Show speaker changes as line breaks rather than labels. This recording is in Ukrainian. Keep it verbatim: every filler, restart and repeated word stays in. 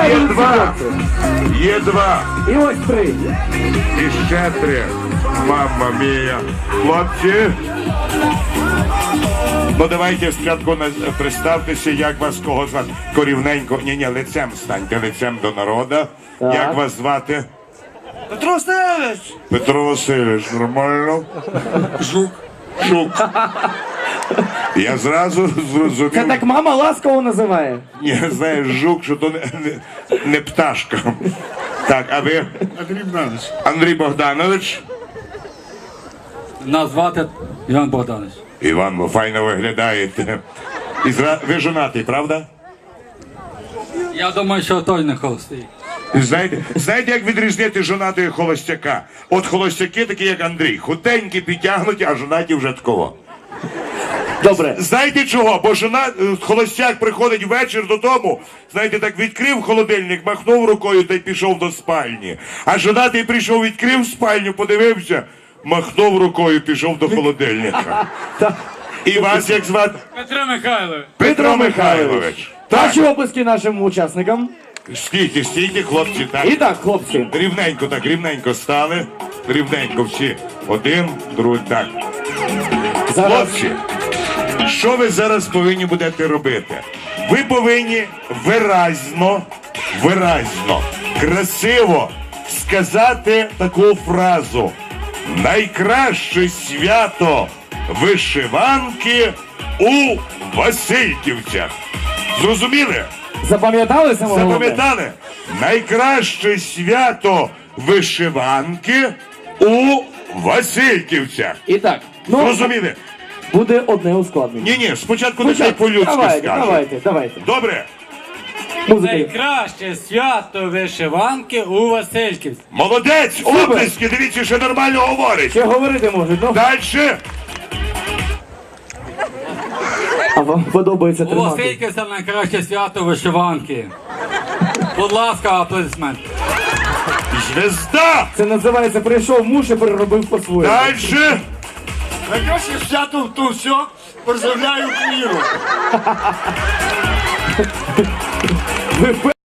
Є два. Є два.
І ось три.
І ще три. Мамма мія. Хлопці. Ну давайте спочатку на- представтеся, як вас кого звати. Корівненько. Ні-ні, лицем станьте, лицем до народу.
Так.
Як вас звати?
Петро Васильович!
Петро Васильович, нормально?
Жук.
Шук. Я зразу зрозумів.
Це так мама ласково називає.
Ні, знаєш, жук, що то не, не, не пташка. Так, а ви?
Андрій Богданович.
Андрій Богданович.
Нас звати Іван Богданович.
Іван, ви файно виглядаєте. І зра... Ви жонатий, правда?
Я думаю, що той не холостий.
Знаєте, знаєте, як відрізнити жонатого і холостяка? От холостяки такі, як Андрій. Худенькі, підтягнуті, а жонаті вже такого.
Добре.
Знаєте чого? Бо жона, холостяк приходить ввечір додому, знаєте, так відкрив холодильник, махнув рукою та й пішов до спальні. А жонатий прийшов, відкрив спальню, подивився, махнув рукою, пішов до холодильника. І вас як звати?
Петро Михайлович.
Петро Михайлович.
Наші описки нашим учасникам.
Стійте, стійте, хлопці, так.
І так, хлопці.
Рівненько, так, рівненько стали. Рівненько всі. Один, другий, так.
Зараз
Хлопці, що ви зараз повинні будете робити? Ви повинні виразно, виразно, красиво сказати таку фразу. Найкраще свято вишиванки у Васильківцях. Зрозуміли?
запам'ятали саме головне?
Запам'ятали? Найкраще свято вишиванки у Васильківцях.
І так, ну,
Зрозуміли?
буде одне ускладнення.
Ні-ні, спочатку нехай по-людськи
Давайте,
скаже.
давайте, давайте.
Добре?
Музика.
Найкраще свято вишиванки у Васильківці.
Молодець!
Супер!
Оплески, дивіться, що нормально говорить.
Ще говорити можуть, ну.
Дальше.
А вам подобається
У
тримати.
Васильківці найкраще свято вишиванки. Будь ласка, аплодисмент.
Звезда.
Це називається прийшов муж і переробив по-своєму.
Дальше.
Найкраще свято то все. Поздравляю Україну.
Ви